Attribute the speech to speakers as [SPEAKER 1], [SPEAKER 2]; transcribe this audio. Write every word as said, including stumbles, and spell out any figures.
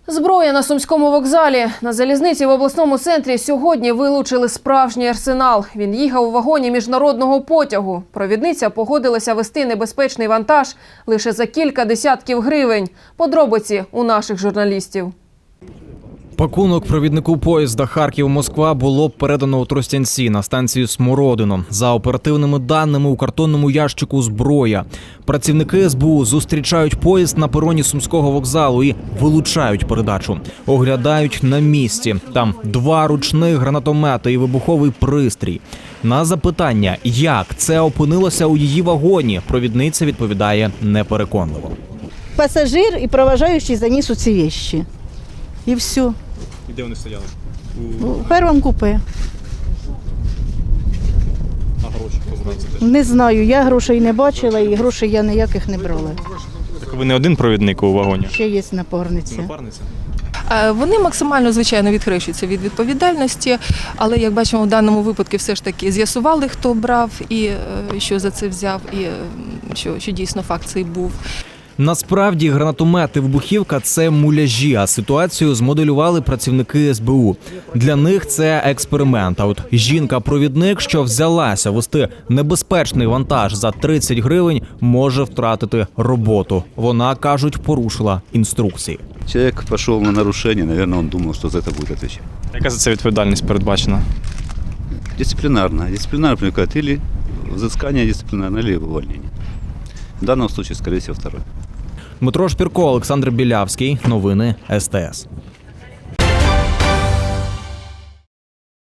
[SPEAKER 1] Зброя на Сумському вокзалі. На залізниці в обласному центрі сьогодні вилучили справжній арсенал. Він їхав у вагоні міжнародного потягу. Провідниця погодилася вести небезпечний вантаж лише за кілька десятків гривень. Подробиці у наших журналістів.
[SPEAKER 2] Пакунок провіднику поїзда Харків-Москва було передано у Тростянці на станцію Смородино. За оперативними даними, у картонному ящику зброя. Працівники ес бе у зустрічають поїзд на пероні Сумського вокзалу і вилучають передачу. Оглядають на місці. Там два ручних гранатомети і вибуховий пристрій. На запитання, як це опинилося у її вагоні, провідниця відповідає непереконливо.
[SPEAKER 3] Пасажир і проважаючий заніс у ці вещи. І все.
[SPEAKER 4] І де вони стояли?
[SPEAKER 3] У, у першому купе.
[SPEAKER 4] А гроші хто знає це теж?
[SPEAKER 3] Не знаю, я грошей не бачила і грошей я ніяких не брала.
[SPEAKER 4] Так ви не один провідник у вагоні?
[SPEAKER 3] Ще є напарниця.
[SPEAKER 4] Напарниця?
[SPEAKER 5] Вони максимально, звичайно, відхрещуються від відповідальності, але, як бачимо, в даному випадку все ж таки з'ясували, хто брав і що за це взяв, і що, що дійсно факт цей був.
[SPEAKER 2] Насправді гранатомет і вибухівка – це муляжі, а ситуацію змоделювали працівники ес бе у. Для них це експеримент. А от жінка-провідник, що взялася вести небезпечний вантаж за тридцять гривень, може втратити роботу. Вона, кажуть, порушила інструкції.
[SPEAKER 6] Человек пошел на нарушение, наверное, он думал, что за это будет отвечать.
[SPEAKER 4] Яка за це відповідальність передбачена?
[SPEAKER 6] Дисциплинарно. Дисциплинарно привлекает или взыскание дисциплинарное, или увольнение. В данном случае, скорее всего, второе.
[SPEAKER 2] Дмитро Шпірко, Олександр Білявський. Новини ес те ес.